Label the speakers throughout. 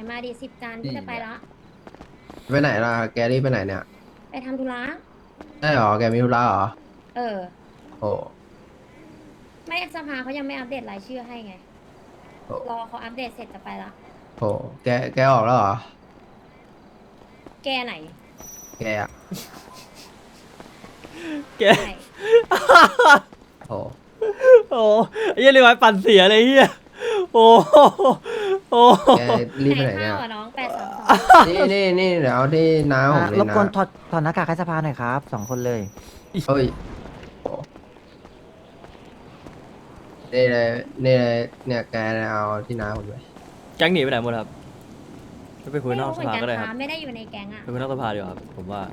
Speaker 1: มาดิ10 จานพี่จะไปละ
Speaker 2: ไปไหนล่ะแกรี่ไปไหนเนี่ย
Speaker 1: ไปทำธุระ
Speaker 2: ได้หรอแกมีธุระเหรอ
Speaker 1: เออ
Speaker 2: โอ้
Speaker 1: ไม่สภาเขายังไม่อัปเดตรายชื่อให้ไง
Speaker 2: โอ้
Speaker 1: รอเขาอัปเดตเสร็จจะไปละ
Speaker 2: โอ้แกออกแล้วเหรอ
Speaker 1: แกไหน
Speaker 2: แกอะ
Speaker 3: แก
Speaker 1: ใช่
Speaker 2: โอ้
Speaker 3: โอ้ไอ้เหี้ยเลยไว้ปั่นเสียเลยเฮียโอ้โอ้
Speaker 2: แกรีบ
Speaker 1: ไหน
Speaker 2: ไปไหนเนี่ย
Speaker 1: ข้าวอ่ะน้อง832
Speaker 2: นี่เดี๋ยวเอาที่น้าผมเลยนะ
Speaker 4: รบกวนถอดหน้ากากให้สภาหน่อยครับ2 คนเลย
Speaker 2: เฮ้ยโอ้นี่เลยนี่เลยเนี่ยแกเอาที่น้าผมเลย
Speaker 3: แก๊งหนีไปไหนหมดครับไปคุยนอกส
Speaker 1: ไม่รู้เหมือนกัน
Speaker 3: ภาก็ได้ค
Speaker 1: ค่ะ
Speaker 3: รับ
Speaker 1: ไม่ได้อยู่ในแก๊งอ่ะ
Speaker 3: ไปคุยนอกสภาดีกว่าครับผมว่า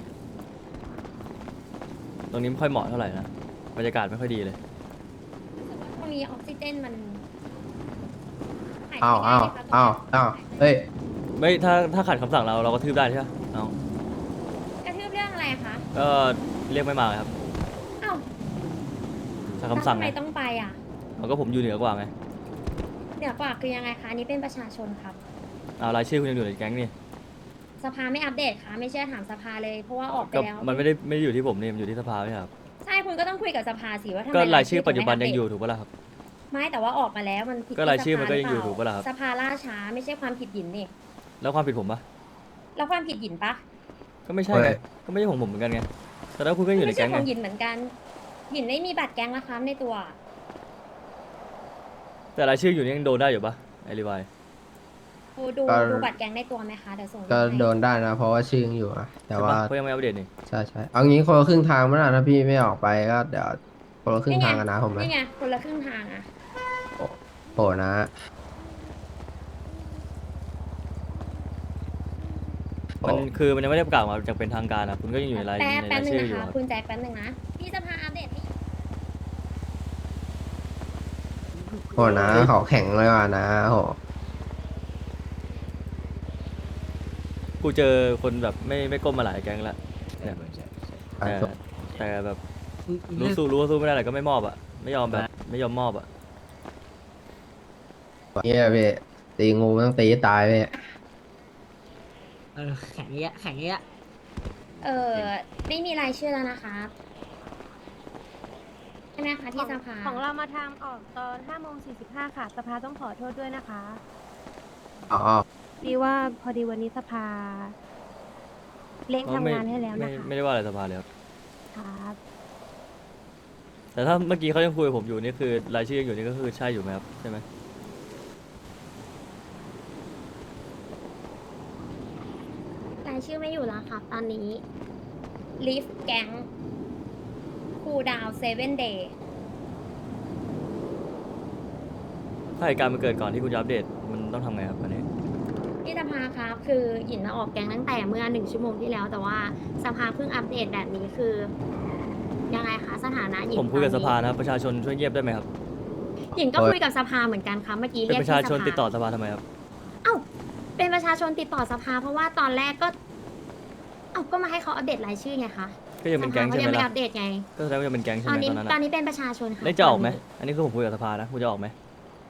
Speaker 3: ตรงนี้ไม่ค่อยเหมาะเท่าไหร่นะบรรยากาศไม่ค่อยดีเลย
Speaker 1: รู้สึกว่าตรงนี้ออกซิเจนมันหายใจ
Speaker 2: อ้าว
Speaker 1: ไม่ได้เลยค่ะตรงเนี้ย
Speaker 2: เฮ้ย
Speaker 3: ไม่ถ้าขัดคำสั่งเราก็ทืบได้ใช่ไหมเอา
Speaker 1: กระทืบเรื่องอะไรคะ
Speaker 3: ก็เรียกไม่มาครับ
Speaker 1: อ้าว
Speaker 3: ถ้า
Speaker 1: แล้ว
Speaker 3: คำสั่ง
Speaker 1: ทำไม
Speaker 3: ไง
Speaker 1: ต้องไปอ่ะ
Speaker 3: เอาก็ผมอยู่เหนือกว่าไง
Speaker 1: เดี๋ยวกว่าคือยังไงคะอันนี้เป็นประชาชนครับ
Speaker 3: เอารายชื่อคุณยังอยู่ในแก๊งนี่
Speaker 1: สภาไม่อัปเดตค่ะไม่เชื่อถามสภาเลยเพราะว่าออกไป
Speaker 3: ก็
Speaker 1: แล้ว
Speaker 3: มันไม่ได้อยู่ที่ผมนี่มันอยู่ที่สภาไม่ใช่ครับ
Speaker 1: ใช่คุณก็ต้องคุยกับสภาสิว่าทำไม
Speaker 3: ก็รายชื่อ
Speaker 1: ถึ
Speaker 3: ปัจจุบัน
Speaker 1: ไม่
Speaker 3: ยังอยู่
Speaker 1: ปเดต
Speaker 3: ถูกปะล่ะครับ
Speaker 1: ไม่แต่ว่าออกมาแล้วมันผิด
Speaker 3: ก็รายชื่อมันก็
Speaker 1: ที่
Speaker 3: ยังอยู่
Speaker 1: สภา
Speaker 3: ถูกปะล่ะครับ
Speaker 1: สภาล่าช้าไม่ใช่ความผิดหยินนี่
Speaker 3: แล้วความผิดผมปะ
Speaker 1: แล้วความผิดหยินปะ
Speaker 3: ก็ไม่ใช่ไงก็ไม่ใช่ของผมเหมือนกันไงแต่แล้วคุณก็อยู่ใน
Speaker 1: ไม่ใช่
Speaker 3: แก๊ง
Speaker 1: ข
Speaker 3: ไง
Speaker 1: องหยินเหมือนกันหยินไม่มีบัตรแก๊งนะคะในตัว
Speaker 3: แต่รายชื่ออยู่นี่ยังโดนได้อยู่ปะไอรีไวาย
Speaker 1: ดูบัตรแก๊งในตัวไหมคะเดี๋ยวส่ง
Speaker 2: ก็
Speaker 1: ให้
Speaker 2: โดนได้นะเพราะว่าชื่อยังอยู่อะแต่
Speaker 3: ใช่
Speaker 2: ว่า
Speaker 3: ปะเขายังไม่อัปเดตนี่
Speaker 2: ใช่เอางี้คนละครึ่งทางมั้ยล่ะถ้าพี่ไม่ออกไปก็เดี๋ยวคนละครึ่งทางกันนะผมไหม
Speaker 1: นี่ไงคนละครึ่งทางอ่ะ
Speaker 2: โอ้นะ
Speaker 3: มันคือมันยังไม่ได้ประกาศมาจากเป็นทางการนะคุณก็ยังอยู่ในราย
Speaker 1: แป๊บนึง
Speaker 3: ชื่อ
Speaker 1: นะ
Speaker 3: อยู่
Speaker 1: คะ
Speaker 3: ครับ
Speaker 1: คุณแจ็คแป๊บนึงนะพี่สภาอัปเดตให้
Speaker 2: โอ้นะเขาแข็งเลยว่ะนะโห
Speaker 3: กูเจอคนแบบไม่ก้มมาหลายแก๊งแล้วเนี่ยแต่แบบรู้ว่าสู้ไม่ได้แต่ก็ไม่มอบอ่ะไม่ยอมแบบไม่ยอมมอบอ่ะ
Speaker 2: เนี่ยพี่ตีงูต้องตีให้ตายพี่
Speaker 4: แข็งเงี้ยแข็งเงี้ย
Speaker 1: เออไม่มีรายชื่อแล้วนะคะใช่ไหมคะที่สภา
Speaker 5: ของเรามาทางออกตอน5:45 ค่ะ สภาต้องขอโทษด้วยนะคะ
Speaker 2: อ๋อ
Speaker 5: ดีว่าพอดีวันนี้สภาเร่งทำงานให้แล้วนะคะ
Speaker 3: ไม่ได้ว่าอะไรสภาเลยครับ
Speaker 5: ครับ
Speaker 3: แต่ถ้าเมื่อกี้เขายังคุยกับผมอยู่นี่คือรายชื่อยังอยู่นี่ก็คือใช่อยู่ไหมครับใช่ไหม
Speaker 1: รายชื่อไม่อยู่แล้วครับตอนนี้ Leaf Gang คูดาว7 day
Speaker 3: ถ้าเหตุการณ์มันเกิดก่อนที่คุณจะอัปเดตมันต้องทำไงครับอันนี้
Speaker 1: ที่สภาครับคือหยินมาออกแก๊งตั้งแต่เมื่อ1 ชั่วโมงที่แล้ว แต่ว่าสภาเพิ่งอัปเดตแบบนี้คือ ยังไงคะสถานะหยิน
Speaker 3: ผมคุยกับ
Speaker 1: ต
Speaker 3: ส
Speaker 1: อนนี้
Speaker 3: ภานะครับประชาชนช่วยเงียบได้ไหมครับ
Speaker 1: หยินก็คุยกับสภาเหมือนกันครับเมื่อกี้
Speaker 3: เป็น
Speaker 1: เรียก
Speaker 3: ประชาชน
Speaker 1: ที่
Speaker 3: ติดต่อสภาทำไมครับ
Speaker 1: เอ้าเป็นประชาชนติดต่อสภา เพราะว่าตอนแรกก็เอ้าก็มาให้เขาอัปเดตรายชื่อไงคะ
Speaker 3: ก็ยังเป็นแก๊ง
Speaker 1: สภา
Speaker 3: ใช่
Speaker 1: เขา
Speaker 3: ไหม
Speaker 1: ยังไม่
Speaker 3: ล่ะ
Speaker 1: อัปเดตไง
Speaker 3: ก็แสดงว่ายังเป็นแก๊งใช่
Speaker 1: ต
Speaker 3: ไห
Speaker 1: อ
Speaker 3: ม
Speaker 1: นนี้
Speaker 3: ตอนนั้น
Speaker 1: ตอน
Speaker 3: อะ
Speaker 1: นี้เป็นประชาชนค่ะ
Speaker 3: ได้จะออกไหมอันนี้คือผมคุยกับสภานะคุณจะออกไหม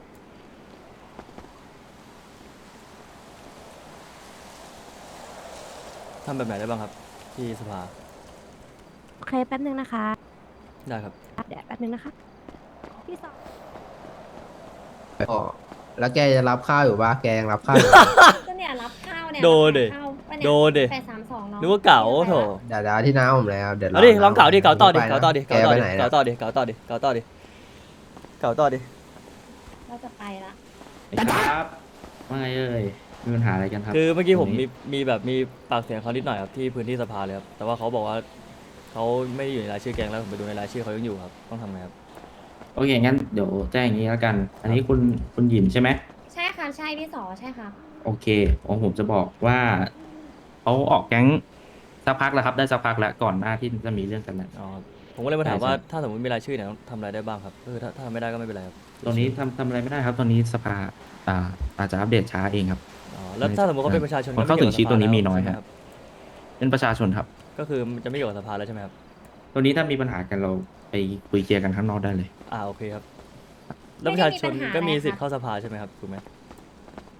Speaker 3: ทำแบบไหนได้บ้างครับ ที่สภา
Speaker 5: โอเค แป๊บนึงนะคะ
Speaker 3: ได้ครับ
Speaker 5: เดี๋ยวแป๊บนึงนะคะ พี่สอง
Speaker 2: โอ้แล้วแกจะรับข้าวอยู่ปะแกยังรับข้าวอยู่ปะ
Speaker 1: ก็เนี่ยรับข้าวเนี่ย
Speaker 3: โดนดิ
Speaker 1: รับข้าวปะเนี่ย
Speaker 3: โดนดิ
Speaker 1: 832เนาะ
Speaker 3: นึกว่าเก๋าโถ
Speaker 2: เดี๋ยวที่น้าผมเลยครับเดี๋ยว
Speaker 3: เอาดิลองเก๋าดิเก๋าต่อดิ
Speaker 2: ไปนะ
Speaker 3: เก๋าต่อดิ
Speaker 2: แก
Speaker 3: เก๋าต่อ
Speaker 2: ไป
Speaker 3: ดิ
Speaker 2: ไหน
Speaker 3: เก๋า
Speaker 2: นะ
Speaker 3: ต่อดิเก๋าต่อดิเก๋าต่อดิเก๋าต่อดิ
Speaker 1: เราจะไปละ
Speaker 6: ครับว่าไงเอ่ยมีปัญหาอะไรกันครับ
Speaker 3: คือเมื่อกี้ผม
Speaker 6: ตรงนี้
Speaker 3: มีแบบมีปากเสียงเขานิดหน่อยครับที่พื้นที่สภาเลยครับแต่ว่าเขาบอกว่าเขาไม่ได้อยู่ในรายชื่อแกงแล้วผมไปดูในรายชื่อเขายังอยู่ครับต้องทำไงครับ
Speaker 6: โอเคงั้นเดี๋ยวแจ้งอย่างนี้แล้วกัน อันนี้คุณหยินใช่ไหม
Speaker 1: ใช่ค่ะใช่พี่สอใช่ค่ะ
Speaker 6: โอเคผมจะบอกว่าเขาออกแก๊งสักพักแล้วครับได้สักพักแล้วก่อนหน้าที่จะมีเรื่องกันแล้ว
Speaker 3: อ๋อผมก็เลยมาถาม
Speaker 6: ใช่
Speaker 3: ว่า
Speaker 6: ใช่
Speaker 3: ถ้าสมมติมีรายชื่อเนี่ยต้องทำอะไรได้บ้างครับก็คือถ้าทำไม่ได้ก็ไม่เป็นไรครับ
Speaker 6: ตอนนี้ทำอะไรไม่ได้ครับ ตอนนี้สภาอาจจะอัปเดตช้าเองครับ
Speaker 3: อ๋อแล้วถ้าสมมติเขาเป็นประชาชน
Speaker 6: คนเข้าถึงชีวิตตัวนี้มีน้อย
Speaker 3: ใช่ไห
Speaker 6: ครับ เป็นประชาชนครับ
Speaker 3: ก็คือมันจะไม่เกี่ยวกับสภาแล้วใช่ไหมครับ
Speaker 6: ตัวนี้ถ้ามีปัญหากันเราไปคุยเคลียร์กันข้างนอกได้เลย
Speaker 3: โอเคครับแล้วประชาชนก็มีสิทธิ์เข้าสภาใช่ไหมครับถูกไหม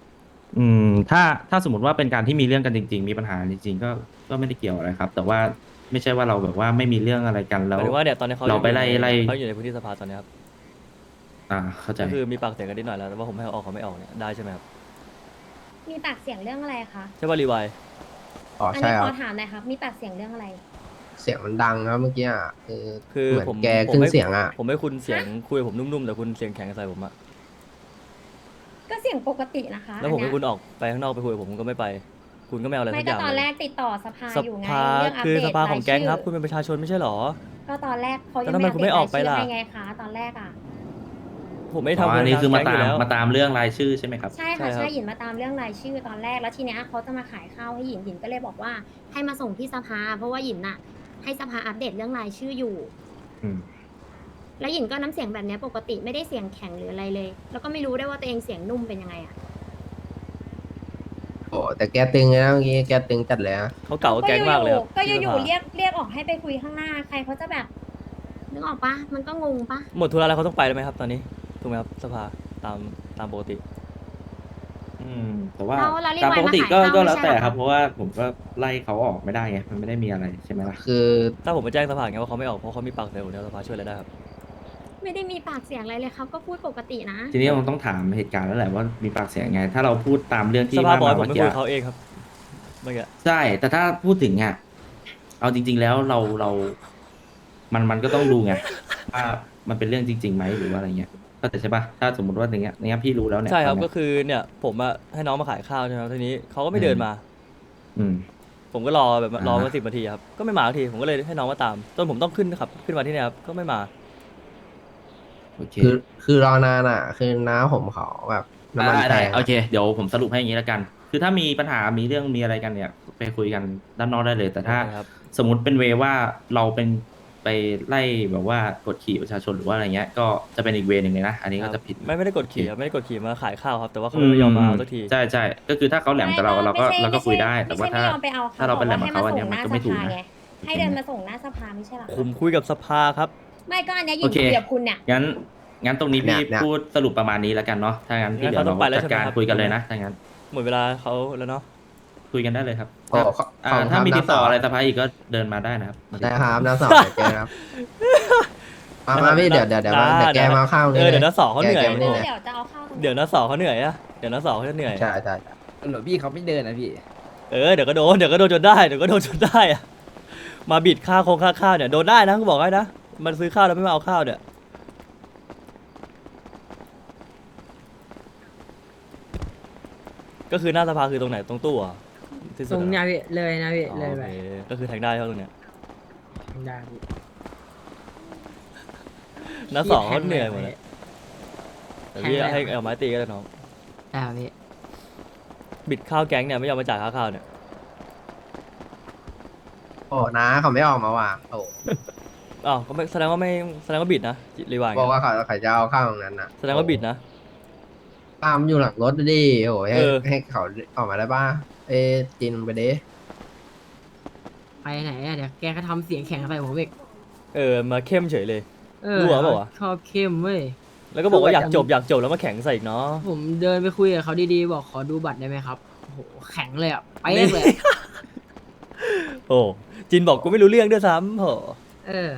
Speaker 6: ถ้าสมมติว่าเป็นการที่มีเรื่องกันจริงๆมีปัญหาจริงๆก็ไม่ได้เกี่ยวอะไรครับ แต่ว่าไม่ใช่ว่าเราแบบว่าไม่มีเรื่องอะไรกัน
Speaker 3: ห
Speaker 6: แล้
Speaker 3: มายว ถึงว่าเนี่ยตอนนี้เขา
Speaker 6: เราไปไล่
Speaker 3: เขาอยู่ในพื้นที่สภาตอนนี้ครับ
Speaker 6: เข้าใจ
Speaker 3: ก็คือมีปากเสียงกันนิดหน่อยแล้วแต่ว่าผมให้เขาออกเขาไม่ออกเนี่ยได้ใช่ไหมครับ
Speaker 1: มีปากเสียงเรื่องอะไรคะ
Speaker 3: ใช่ป่ะรีไวาย
Speaker 2: อ๋อ
Speaker 1: อัน
Speaker 2: ใช่
Speaker 1: นี้
Speaker 2: ค
Speaker 1: ข
Speaker 2: รั
Speaker 1: อบ ถามหน่อยครับ มีปากเสียงเรื่องอะไร
Speaker 2: เสียงมันดังครับเมื่อกี้อ่ะ
Speaker 3: คือ
Speaker 2: เหมือน
Speaker 3: ผม
Speaker 2: แก
Speaker 3: ผม
Speaker 2: ขึ้น
Speaker 3: ให้
Speaker 2: เสียงอ่ะ
Speaker 3: ผมให้คุณเสียงคุยกับผมนุ่มๆแต่คุณเสียงแข็งใส่ผมอะ
Speaker 1: ก็เสียงปกตินะคะ
Speaker 3: แล้วผมให้
Speaker 1: อัน
Speaker 3: คุณ
Speaker 1: เนี้ย
Speaker 3: ออกไปข้างนอกไปคุยกับผมก็ไม่ไป คุณก็ไม่เอาอะไร
Speaker 1: ไม่
Speaker 3: สักอ
Speaker 1: ก็
Speaker 3: ย่าง
Speaker 1: ตอน
Speaker 3: เล
Speaker 1: แร
Speaker 3: ย
Speaker 1: กติดต่อสภา
Speaker 3: ส
Speaker 1: อยู่ไง
Speaker 3: ภา
Speaker 1: เรื่องอัป
Speaker 3: คือ
Speaker 1: เดต
Speaker 3: สภาของแก๊งครับ
Speaker 1: าย
Speaker 3: คุณเป็นประชาชนไม่ใช่หรอ
Speaker 1: ก็ตอนแรกเขายัง
Speaker 3: แล้วทำไมคุณไม่ออกไปล่ะ
Speaker 1: ให้ไงคะตอนแรกอ่ะ
Speaker 3: ผมไม่
Speaker 6: อ๋อ
Speaker 3: ทำ
Speaker 6: อันนี้คือมา
Speaker 3: แก๊ง
Speaker 6: ตาม
Speaker 3: ยู่แล้ว
Speaker 6: มาตามเรื่องรายชื่อใช่ไหมครับ
Speaker 1: ใช่
Speaker 3: ใช่
Speaker 1: ค่ะ
Speaker 3: ครับ
Speaker 1: ใช่หยินมาตามเรื่องรายชื่อตอนแรกแล้วทีเนี้ยเขาจะมาขายข้าวให้หยินหยินก็เลยบอกว่าให้มาส่งที่สภา เพราะว่าหยินน่ะ ให้สภาอัปเดตเรื่องรายชื่ออยู่
Speaker 6: อืม
Speaker 1: แล้วหยินก็น้ำเสียงแบบเนี้ยปกติไม่ได้เสียงแข็งหรืออะไรเลย แล้วก็ไม่รู้ได้วยว่าตัวเองเสียงนุ่มเป็นยังไงอ่ะ
Speaker 2: โอ้แต่แกตึงเลยนะเมื่อกี้แกตึงจัดเลยนะ
Speaker 3: เขาเก่ากับแก๊งมากเลยครับ
Speaker 1: ก็อยู่
Speaker 3: ที่สภา
Speaker 1: ๆเรียกออกให้ไปคุยข้างหน้าใครเขาจะแบบนึกออกปะมันก็งงปะ
Speaker 3: หมดธุระแล้วเขาต้องไปแล้วไหมครับตอนนี้ถูกไหมครับสภาตามปกติ
Speaker 6: แต่ว่า
Speaker 1: เรารีบ
Speaker 6: ตาม
Speaker 1: ไว้
Speaker 6: ปก
Speaker 1: มา
Speaker 6: ติ
Speaker 1: ขาย
Speaker 6: ก็
Speaker 1: ข้าว
Speaker 6: ก็
Speaker 1: ไม่
Speaker 6: แล้ว
Speaker 1: ใช่
Speaker 6: แต่
Speaker 1: หรอ
Speaker 6: ครับ เพราะว่าผมก็ไล่เขาออกไม่ได้ไงมันไม่ได้มีอะไรใช่ไหมล่ะ
Speaker 2: คือ
Speaker 3: ถ้าผมไปแจ้งสภาไงว่าเขาไม่ออกเพราะเขามีปากเสียงผมเนี่ยสภาช่วยอะไรได้ครับ
Speaker 1: ไม่ได้มีปากเสียงอะไรเลยครับก็พูดปกตินะ
Speaker 6: ทีนี้มันต้องถามเหตุการณ์แล้วแหละว่ามีปากเสียงไง ถ้าเราพูดตามเรื่องที่
Speaker 3: สภาบอก
Speaker 6: ว่า
Speaker 3: ให้ผม
Speaker 6: เมื่อ
Speaker 3: ไป
Speaker 6: กี้
Speaker 3: คุยกับเขาเองครับเมื่อกี้
Speaker 6: ใช่ แต่ถ้าพูดถึงอ่ะเอาจริง ๆ แล้วมันก็ต้องดูไงว่ามันเป็นเรื่องจริงๆไหมหรือว่าอะไรเงี้ยก็แต่ใช่ปะถ้าสมมติว่าอย่างเงี้ยพี่รู้แล้วเนี่ย
Speaker 3: ใช่ครับ
Speaker 6: ตอน
Speaker 3: ก็
Speaker 6: เนี้ย
Speaker 3: คือเนี่ยผมอะให้น้องมาขายข้าวใช่ไหมครับทีนี้เขาก็ไม่เดินมา
Speaker 6: อืม
Speaker 3: ผมก็รอแบบรอ
Speaker 6: อ่า
Speaker 3: มา10 นาทีครับก็ไม่มาสักทีผมก็เลยให้น้องมาตามจนผมต้องขึ้นครับขึ้นมาที่เนี่ยครับก็ไม่มา
Speaker 6: โอเค
Speaker 2: คือรอนานอ่ะ คือน้าผมเขาแบบน้ำมันแพ
Speaker 6: ได้
Speaker 2: ง
Speaker 6: โอเคเดี๋ยวผมสรุปให้อย่างนี้แล้วกัน คือถ้ามีปัญหามีเรื่องมีอะไรกันเนี่ยไปคุยกันด้านนอกได้เลย แต่ถ้า
Speaker 3: โอเคครับ
Speaker 6: สมมติเป็นเวว่าเราเป็นไปไล่แบบว่ากดขี่ประชาชนหรือว่าอะไรเงี้ย ก็จะเป็นอีกเวหนึ่งเลยนะ อันนี้ก็จะผิด
Speaker 3: ไม่ได้กดขี่ครับไม่ได้กดขี่มาขายข้าวครับแต่ว่าเขาไม่ยอมมาเอาสักที
Speaker 6: ใช่ใช่ก็คือถ้าเขาแหลมกับเราเราก็คุยได้ แต่ว่าถ้า
Speaker 1: ไม่ใช่ไม่ยอมไปเอา
Speaker 6: ถ้าเราเป็นแหลมกับเขาอันเนี้ยมันก็ไม่ถูกนะ
Speaker 1: ให้เดินมาส่งหน้าสภาไม่ใช่หรอ
Speaker 3: ผมคุยกับสภาครับ
Speaker 1: ไม่ก็อันเนี้ยหยิ
Speaker 6: โอน เค
Speaker 1: คุยกับคุณเนี่ย
Speaker 6: งั้นตรงนี้พี่พูดสรุปประมาณนี้แล้วกันเนาะ ถ้างั้นพี่
Speaker 3: งั้น
Speaker 6: เดี๋ยว
Speaker 3: เขาต้
Speaker 6: เรา
Speaker 3: องไปแล้ว
Speaker 6: จัดการ
Speaker 3: ใช่ไหมครับ
Speaker 6: คุยกันเลยนะถ้างั้น
Speaker 3: หมดเวลาเขาแล้วเนาะ
Speaker 6: คุยกันได้เลยครับ
Speaker 2: โอ้ขอขอบคุณครับ
Speaker 6: ถ้ามีติดต่อ
Speaker 2: น้าสาว
Speaker 6: อะไรสภาอีกก็เดินมาได้นะครับ
Speaker 2: ได้ครับน้าสาวเดี๋ยวเจอครับ มาพี่เดี๋ยวแกมาเข้านี่
Speaker 3: เดี๋ยวน้าสองเขาเหนื่อย
Speaker 2: แกไม่ได้
Speaker 1: เดี๋ยวจะเอาเข้าตรงนี้
Speaker 3: เดี๋ยวน้าสองเขาเหนื่อยอะเดี๋ยวน้าสองเขาจะเหนื่อย
Speaker 2: ใช่ใช่
Speaker 7: หลวงพี่เขาไม่เดินนะพี่
Speaker 3: เดี๋ยวก็โดนจนได้เดี๋ยวก็โดนจนได้อะมาบิดค่าโครงค่าข้าวเนี่ยโดนได้นะกูบอกให้นะมันซื้อข้าวแล้วไม่มาเอาข้าวเนี่ยก็คือหน้าสภาคือตรงไหนตรงตู้เหรอ่ะที่สุด
Speaker 7: ตรง
Speaker 3: อะ
Speaker 7: เนี้ยพี่เลยนะพี่
Speaker 3: อ๋อ
Speaker 7: เลย
Speaker 3: โอ
Speaker 7: ไป
Speaker 3: เคก็คือแทงได้เท่าตรงเนี้ย
Speaker 7: ได้พี่
Speaker 3: น้าสองเขาเหนื่อยหมดเลยแต่พี่ให้เอาไม้ตีก็ได้น้อง
Speaker 7: ได้พี่
Speaker 3: บิดข้าวแก๊งเนี่ยไม่ยอมมาจ่ายค่าข้าวเนี่ย
Speaker 2: โอ้น้าเขาไม่ออกมาว่ะโอ้
Speaker 3: อ้าวก็ไม่แสดงว่าบิดนะรีวาย
Speaker 2: บอกว่าเขาจะเอาข้าวตรงนั้นน่ะ
Speaker 3: แสดงว่าบิดนะ
Speaker 2: ตามอยู่หลังรถดิโอ้ย
Speaker 3: เออ
Speaker 2: ให้เขาออกมาได้ป่ะจินไปดิ
Speaker 7: ไปไหนอะเดี๋ยวแกก็ทำเสียงแข็งใส่ผมอีก
Speaker 3: มาเข้มเฉยเลย
Speaker 7: เออ
Speaker 3: รั่วเปล่าวะ
Speaker 7: ชอบเข้มเว้ย
Speaker 3: แล้วก็บอกว่าอยากจบแล้วมาแข่งใส่อีกเนาะ
Speaker 7: ผมเดินไปคุยกับเขาดีๆบอกขอดูบัตรได้ไหมครับโอ้โหแข็งเลยอ่ะไปเลย
Speaker 3: โอ้จินบอกกูไม่รู้เรื่องด้วยซ้ำโห
Speaker 7: เออ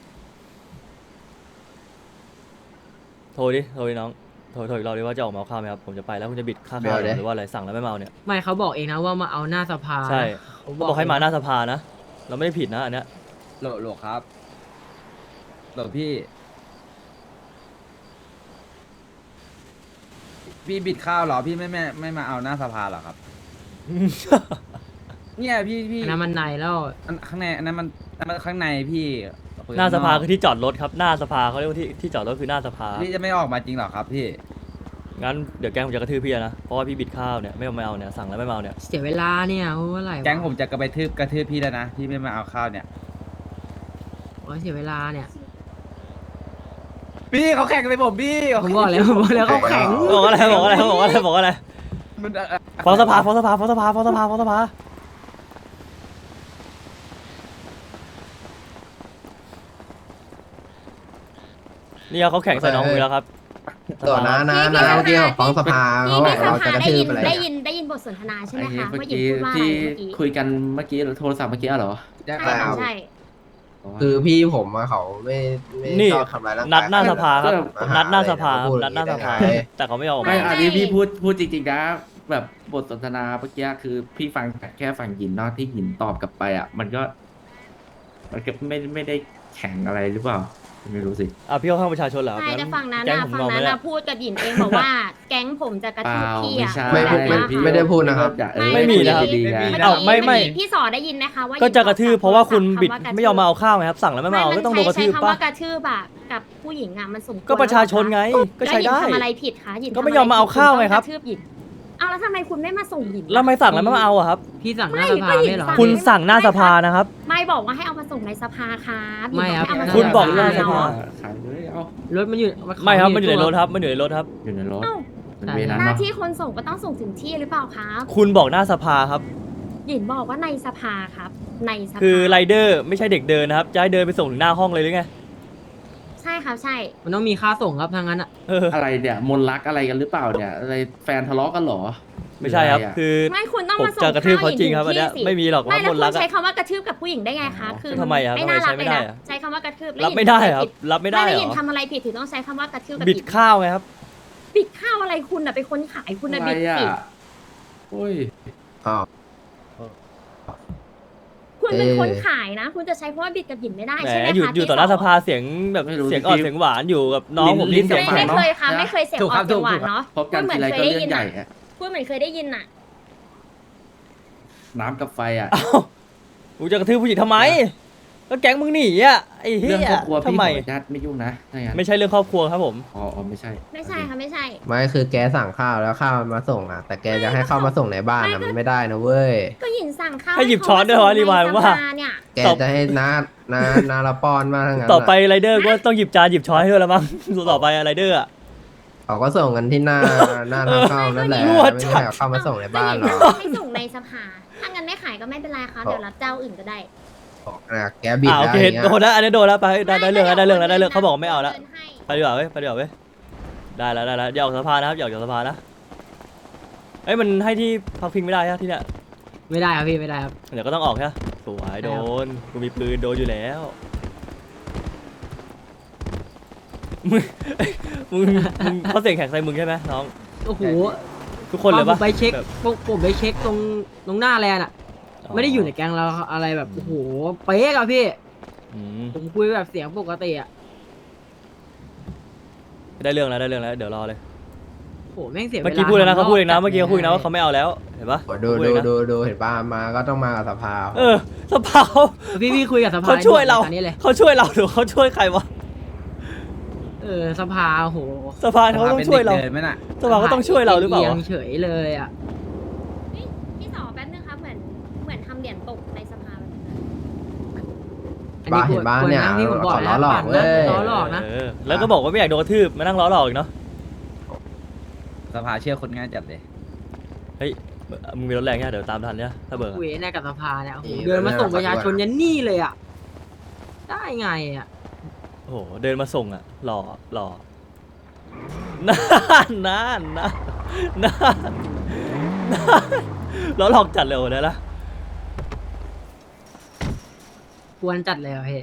Speaker 3: โทรดิน้องโทรอีกรอบดิว่าจะออกมาเอาข้าวไหมครับผมจะไปแล้วคุณจะบิดค่าข้าวหรือว่าอะไรสั่งแล้วไม่มาเอาเนี่ย
Speaker 7: ไม่เขาบอกเองนะว่ามาเอาหน้าสภา
Speaker 3: ใช่
Speaker 7: เขา
Speaker 3: บอกให้มาหน้าสภานะเราไม่ได้ผิดนะอันเนี้ย
Speaker 8: โหลครับโหลพี่บิดข้าวเหรอพี่ไม่มาเอาหน้าสภาเหรอครับ เนี่ยพี่
Speaker 7: อันนั้นมันในแล้ว
Speaker 8: อันข้างในอันนั้นมันข้างในพี่คุย
Speaker 3: หน้าสภา
Speaker 8: ข้ง
Speaker 3: คือที่จอดรถครับหน้าสภาเขาเรียกว่าที่จอดรถคือหน้าสภา
Speaker 8: พี่จะไม่ออกมาจริงเหรอครับพี่
Speaker 3: งั้นเดี๋ยวแกงผมจะกระทืบพี่นะเพราะว่าพี่บิดข้าวเนี่ยไม่เอาเนี่ยสั่งแล้วไม่มาเอาเนี่ย
Speaker 7: เสียเวลาเนี่ยโอ้อะไรวะ
Speaker 8: แก๊งผมจะกระทืบพี่แล้วนะพี่ไม่มาเอาข้าวเนี่ย
Speaker 7: โอ้ยเสียเวลาเนี่ย
Speaker 8: พี่เขาแข่งเลยผมพี่
Speaker 7: ผมบอกแล้วเขาแข็ง
Speaker 3: บอกอะไร
Speaker 8: มัน
Speaker 3: ฟ้องสภานี่เขาแข่งใส่น้องผมแล้วครับ
Speaker 2: ต่อนะเมื่อกี้เขาฟ้องสภาเขาบอกเราจะกระทืบอะไร
Speaker 1: ได้ยินบทสนทนาใช่ไหมคะ
Speaker 6: เมื่อ
Speaker 1: ว่าหญิง
Speaker 6: กี้
Speaker 1: พูดว่าอะไร
Speaker 6: ที่
Speaker 1: เมื่อกี้
Speaker 6: คุยกันเมื่อกี้โทรศัพท์เมื่อกี้เหรอ
Speaker 8: แจ้ง
Speaker 1: ใช่
Speaker 8: ไป
Speaker 1: ค่ะใช่
Speaker 2: คือพี่ผมอะเขาไม่
Speaker 3: นี่
Speaker 2: ชอบทำร้ายร่างกาย
Speaker 3: นัดหน้าสภาครับ
Speaker 2: มาห
Speaker 3: นัดหน้าสภา
Speaker 2: อะไร
Speaker 3: นัดหน้าสภา
Speaker 2: พูดอย่งนี้ได้ไง
Speaker 3: แต่เขาไม่ยอมออก
Speaker 6: ไม่
Speaker 3: มา
Speaker 6: อันนี้พี่พูดจริงๆนะแบบบทสนทนาเมื่อกี้คือพี่ฟังแค่ฝั่งหยินเนอกที่หยินตอบกลับไปอ่ะ มันก็ไม่ได้แข่งอะไรหรือเปล่า ไม่รู้สิ
Speaker 3: อ่ะพี่เข้าข้างประชาชนเหรอ
Speaker 1: ใช่แต่ฝั่งนั้น
Speaker 3: แก๊ง
Speaker 1: นะ
Speaker 3: ผม
Speaker 1: ฝั่ง
Speaker 3: นอน
Speaker 1: นั้
Speaker 3: ไม่
Speaker 1: น
Speaker 3: ได้
Speaker 1: นะพูดกับหญินเองบอกว่า แก๊งผมจะกระ
Speaker 6: เป
Speaker 1: ทืบ
Speaker 6: ล่า
Speaker 1: พี่
Speaker 6: ไม่
Speaker 1: อะ
Speaker 6: ใช่
Speaker 2: ไม่ได้พูดนะครับ
Speaker 6: ไม่มีนะครับ
Speaker 1: เมื่อ
Speaker 3: เอ้า
Speaker 1: กี้
Speaker 3: ไม่
Speaker 1: พี่สอได้ยินไหมคะว่า
Speaker 3: ก็จะกระทืบเพราะว่าคุณบิด
Speaker 1: คำว่กระทืบ
Speaker 3: ไม่ยอมมาเอาข้าวไงครับ สั่งแล้วไม่มาเอาก็ต้องโดนกระทืบ
Speaker 1: ใช้คำ
Speaker 3: ป่ะ
Speaker 1: ว่ากระทืบอะกับผู้หญิงอะมันสมควร
Speaker 3: ก็ประชาชนไงก็ใช้ได้
Speaker 1: แล้วหญิงทำอะไรผิดคะหญิง
Speaker 3: ก็ไม่ยอมมาเอาข้าวไงครับ
Speaker 1: กะทืบหญิงเอาแล้วทำไมคุณไม่มาส่งหญิง
Speaker 3: แล้วทำไม่สั่งแล้วไม่มาเอาอะครับ
Speaker 7: พี่สั่งห
Speaker 1: ไม่
Speaker 7: น้าสภา
Speaker 1: ก็หญิง
Speaker 7: ไม่เหรอ
Speaker 1: สั่ง
Speaker 3: คุณสั่งหน้าสภานะครับ
Speaker 1: ไม่บอกว่าให้เอามาส่งในสภาครับหญิง
Speaker 7: ไม่ครับ
Speaker 1: ให้เามาส่ง
Speaker 3: คุณบอกหน้า
Speaker 1: ใน
Speaker 3: สภา
Speaker 6: ขายเลยเอา
Speaker 7: รถมันอยู่
Speaker 3: ไม่ครับมันอยู่ในรถครับมันอยู่ในรถครับ
Speaker 6: อยู่ในรถ
Speaker 1: เอ้า
Speaker 6: เป็นเวนั้น
Speaker 1: หน้า
Speaker 6: เนาะ
Speaker 1: ที่คนส่งก็ต้องส่งถึงที่หรือเปล่าครับ
Speaker 3: คุณบอกหน้าสภาครับ
Speaker 1: หญิงบอกว่าในสภาครับ ในสภา
Speaker 3: คือไรเดอร์ไม่ใช่เด็กเดินนะครับจะให้เดินไปส่งถึงหน้าห้องเลยหรือไง
Speaker 1: ใช่ครับใช่
Speaker 7: มันต้องมีค่าส่งครับทางนั้นอ่ะ
Speaker 3: เออ
Speaker 6: อะไรเนี่ยมนรักอะไรกันหรือเปล่าเนี่ยอะไรแฟนทะเลาะกันเหรอ
Speaker 3: ไม่ใช่ครับ
Speaker 6: หออะ
Speaker 3: คือ
Speaker 1: ไม่คุณต้อง
Speaker 3: ผม
Speaker 1: มาส่ง
Speaker 3: จะกระทืบเขาจริงครับ
Speaker 1: ข้
Speaker 3: อันเนี้ย
Speaker 1: ถึที่สิ
Speaker 3: ไม่มีหรอก
Speaker 1: ไม่
Speaker 3: ว่า
Speaker 1: แล้ว
Speaker 3: คน
Speaker 1: คุ
Speaker 3: รั
Speaker 1: ณ
Speaker 3: กอะ
Speaker 1: ใช้คำว่ากระทืบกับผู้หญิงได้ไงคะคือ
Speaker 3: ทำไมอะ
Speaker 1: ไม่น่า
Speaker 3: ทำไม
Speaker 1: รั
Speaker 3: ใช้
Speaker 1: ก
Speaker 3: ไม่
Speaker 1: เลย
Speaker 3: ได้
Speaker 1: นะ
Speaker 3: อะ
Speaker 1: ใช้คำว่ากระทืบ
Speaker 3: รับไม่ได้ครับรับไม่ได้
Speaker 1: ไม่
Speaker 3: เหร
Speaker 1: หญิง
Speaker 3: อ
Speaker 1: ทำอะไรผิดถึงต้องใช้คำว่ากระทืบกับ
Speaker 3: บิดข้าวไงครับ
Speaker 1: บิดข้าวอะไรคุณอะเป็นคนขายคุณอะ
Speaker 6: อะไร
Speaker 1: บิด
Speaker 6: อ่ะ
Speaker 1: สิ
Speaker 6: โอ้ย
Speaker 2: อ้าว
Speaker 1: คุณเป็น
Speaker 2: เอ๊ะ
Speaker 1: คนขายนะ คุณจะใช้คำว่าบิดกับหญิงไม่ได้
Speaker 3: แหม
Speaker 1: ใช่ไหมคะ
Speaker 3: อยู่ต่อหน้าสภาเสียงแบบเสียงอ่อนเสียงหวานอยู่กับน้องผม
Speaker 6: ลิ้
Speaker 3: ที่
Speaker 6: น
Speaker 3: เสียง
Speaker 6: กับ
Speaker 3: หวาน
Speaker 1: ไม่เคยค่ะไม่เคยเสียง
Speaker 8: ถูก
Speaker 1: อ
Speaker 8: ครั
Speaker 1: อบ กเสียงหวาน
Speaker 8: ถูกครับ
Speaker 1: เนาะ
Speaker 6: พบกันทีไรก็เรื่องใหญ่อะ
Speaker 1: พูดเหมือนเคยได้ยินอะ
Speaker 6: น้ำกับไฟอ่ะ
Speaker 3: อ้าวกูจะกระทืบผู้หญิงทำไมก็แก๊งมึงหนีอ่ะไอ้เหี้
Speaker 6: เรื่อง
Speaker 3: ย
Speaker 6: ครอบครัว
Speaker 3: ทำ
Speaker 6: พี่ข
Speaker 3: ไม
Speaker 6: ออนุญาตไม่ยุ่งนะถ้างั้น
Speaker 3: ไม่ใช่เรื่องครอบครัวครับผม
Speaker 6: อ๋อไม่ใช่
Speaker 1: ไม่ใช่ค่ะไม่ใช่
Speaker 2: ไม่คือแกสั่งข้าวแล้วข้าวมันมาส่งอ่ะ แต่แกจะให้ข้าวมาส่งในบ้านอ่ะมันไม่ได้นะเว้ย
Speaker 1: ก็หญิงสั่งข้าว
Speaker 3: ให้หยิบช้อนด้วยเหรอรีวายว่า
Speaker 1: เนี่ย
Speaker 2: แกจะให้นาละปอนมาทั้งนั้น
Speaker 3: ต่อไปไรเดอร์ก็ต้องหยิบจานหยิบช้อนให้ด้วยละมั้ง ต่อไปไรเดอร์อะ
Speaker 2: เขาก็ส่งกันที่หน้าทางเข้านั่นแหละ
Speaker 3: รั่ว
Speaker 2: ไม่
Speaker 3: จั
Speaker 2: ใช่
Speaker 3: ด
Speaker 2: เอาเข้ามาส่งในบ้านหร
Speaker 1: ก็
Speaker 2: อ
Speaker 1: หญิงให้ส่งในสภาถ้างั้นไม่ขายก็ไม่เป็นไรค่ะเดี๋ยวรับเจ้าอื่นก็ได้
Speaker 2: แกบิด
Speaker 3: โอ
Speaker 2: ได้
Speaker 3: เค
Speaker 2: อย่างเงี้ย
Speaker 3: โดนแล้วอันนี้โดนแล้วไปได้เรื่องแล้วได้เรื่องแล้วได้เรื่องเขาบอกไม่เอาแล้ว
Speaker 1: ดินให้
Speaker 3: ไปดีกว่าเว้ยไปดีกว่าเว้ยได้แล้วอย่าออกสภานะครับอย่าออกสภานะเอ้ยมันให้ที่พักพิงไม่ได้ใช่ที่เนี่ย
Speaker 7: ไม่ได้ครับพี่ไม่ได้ครับ
Speaker 3: เดี๋ยวก็ต้องออกใช่ไหมสวยโดนกูมีปืนโดนอยู่แล้วมึงมึงเขาเสียงแข็งใส่มึงใช่ไหมน้อง
Speaker 7: โอ้โห
Speaker 3: ทุกคนเลย
Speaker 7: ผ
Speaker 3: ปะ
Speaker 7: มไปเช็ค
Speaker 3: แบบ
Speaker 7: ผมไปเช็คตรงหน้าแลนด์อ่ะ ไม่ได้อยู่ในแก๊งเราอะไรแบบโอ้โหเป๊ะอะพี่
Speaker 3: อืม
Speaker 7: ผมคุยแบบเสียงปกติอ่ะ
Speaker 3: ได้เรื่องแล้วเดี๋ยวรอเลย
Speaker 7: โอ้โหแม่งเสียเวลา
Speaker 3: เมื่อกี้พูดเลยนะเขาพูดเองนะ
Speaker 7: ทำรบ
Speaker 3: เมื่อกี้เขาพูดเองนะว่าเขาไม่เอาแล้วเห็นปะ
Speaker 2: โอ้ดู
Speaker 3: พูเองนะ
Speaker 2: ดูเห็นป่ะมาก็ต้องมากับสภา
Speaker 3: เออสภา
Speaker 7: พี่คุยกับสภา
Speaker 3: เขาช่วยเรา
Speaker 7: ตอนนี้เลย
Speaker 3: เขาช่วยเราหรือเขาช่วยใครวะ
Speaker 7: สภาโอ้โห
Speaker 3: สภาเขาต้องช่วยเรา
Speaker 8: ป็นด็กดินไหมน่ะ
Speaker 3: สภาก็ต้องช่วยเราหรือเปล่า
Speaker 7: อีย
Speaker 3: วะ
Speaker 7: งเฉยเลยอ่ะ
Speaker 1: พี่สอแป๊บนึงครับเหมือนทำเหรียญตกในสภาแบบนั้น
Speaker 2: บ้าเห็นบ้าเนี่ย
Speaker 7: ที่ผมบอก
Speaker 2: ขอล้
Speaker 7: นะ
Speaker 2: อหลอก
Speaker 7: ปั่น
Speaker 2: เว้
Speaker 7: นะ
Speaker 2: ย
Speaker 7: ล้อหลอกนะ
Speaker 3: เออแล้วก็บอกว่าไม่อยากโดนกระทืบมานั่งล้อหลอกอีกเนาะ
Speaker 8: สภาเชื่อคนง่ายจัดเลย
Speaker 3: เฮ้ยมึงมีรถแรงเนี่ยเดี๋ยวตามทันเนี่ยถ้าเบิกอะ
Speaker 7: คุยแน่กับสภาเนี่ยโอ้โหเดินมาส่งประชาชนยันนี่เลยอ่ะ ได้ไงอ่ะ
Speaker 3: โอ้โหเดินมาส่งอ่ะหล่อนั่นล้อหลอกจัดเลยโอ้ได้ละ
Speaker 7: ควรจัดเลยอ่ะพี่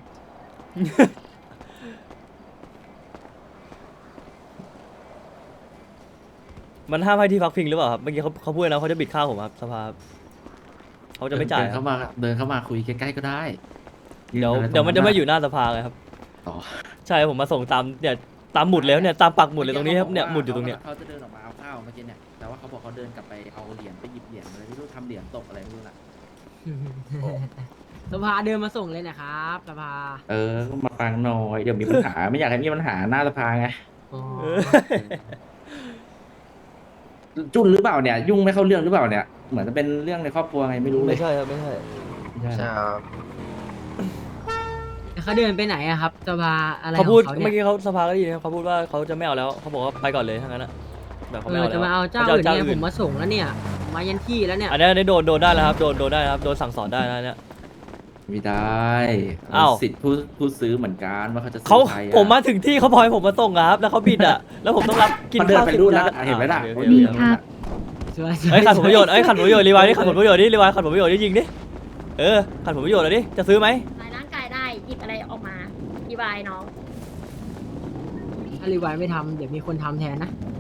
Speaker 3: มันห้ามให้ที่พักพิงหรือเปล่าครับเมื่อกี้เขาพูดนะเขาจะบิดข้าวผมครับสภาเขาจะไม่จ่าย
Speaker 6: เดิน
Speaker 3: ครับ
Speaker 6: เข้ามาคุยใกล้ๆก็ได้
Speaker 3: เดี๋ยวมันจะไม่อยู่หน้าสภาไงครับ
Speaker 6: ต่อ
Speaker 3: ใช่ผมมาส่งตามเนี่ยตามหมุดแล้วเนี่ยตามปักหมุดเลยตรงนี้ครับเนี่ยหมุดอยู่ตรงเนี้ย
Speaker 6: เขาจะเดินออกมาเอาข้าวเมื่อกี้เนี่ยแต่ว่าเขาบอกเขาเดินกลับไปเอาเหรียญไปหยิบเหรียญอะไรไม่รู้ทำเหรียญตกอะไรไม่รู้น่ะ
Speaker 7: สภาเดินมาส่งเลยนะครับสภา
Speaker 6: ก็มาฟังหน่อยเดี๋ยวมีปัญหา ไม่อยากให้มีปัญหาหน้าสภาไง
Speaker 7: อ๋อ
Speaker 3: เออ
Speaker 6: จุนหรือเปล่าเนี่ย ยุ่งไม่เข้าเรื่องหรือเปล่าเนี่ยเหมือนจะเป็นเรื่องในครอบครัวไงไม่รู้เลย
Speaker 3: ไม่ใช่ครับไม่ใช่
Speaker 6: ไม่ใช่
Speaker 2: ใช่ครับ
Speaker 7: เขาเดินไปไหนอะครับสภาอะไรข
Speaker 3: เขา
Speaker 7: อง
Speaker 3: พูด
Speaker 7: เขา
Speaker 3: เมื่อ
Speaker 7: เนี่ย
Speaker 3: กี้เขาสภาก็ได้ยินครับเขาพูดว่าเขาจะไม่เอาแล้วเขาบอกว่าไปก่อนเลยทั้งนั้นอะแบบเขาไม่เอาแล้ว
Speaker 7: จะมาเอาเจ้า
Speaker 3: ข
Speaker 7: อื่น
Speaker 3: จะ
Speaker 7: เนี่ยผ
Speaker 3: อื่
Speaker 7: มมาส่งแล้วเนี่ย มายันที่แล้วเนี่ย
Speaker 3: อันนี้โดนได้แล้วครับโดนได้นะครับโดนสั่งสอนได้นะเนี่ย
Speaker 6: ไม่ได้
Speaker 3: อ้าว
Speaker 6: สิทธิ์ผู้ซื้อเหมือนกันว่าเขาจะซื้
Speaker 3: เขา
Speaker 6: ใครอะ
Speaker 3: ผมมาถึงที่เขาพลอยผมมาส่งครับ แล้วเขาบิดอ่ะ แล้วผมต้องรับกิน
Speaker 6: มันเดิน
Speaker 3: ข้าว
Speaker 6: ไป
Speaker 3: สิบ
Speaker 6: รูดแล้ว
Speaker 3: จาน
Speaker 6: เห็นไหมล่ะ
Speaker 3: โอเค
Speaker 5: ดี
Speaker 3: โอเค
Speaker 5: ครับ
Speaker 7: สวย
Speaker 3: เอ้ยขัดผลประโยชน์เอ้ยขัดผลประโยชน์รีไวล์ดิขัดผลประโยชน์ดิรีไวล์ขัดผลประโยชน์ดิยิงดิขัดผลประโยชน์เลยดิจะซื้อไหม
Speaker 1: ทำลายร่างกายได้หยิบอะไรออกมาอธิบายน้อง
Speaker 7: ถ้ารีไวล์ไม่ทำเดี๋ยวมีคนทำแทนนะ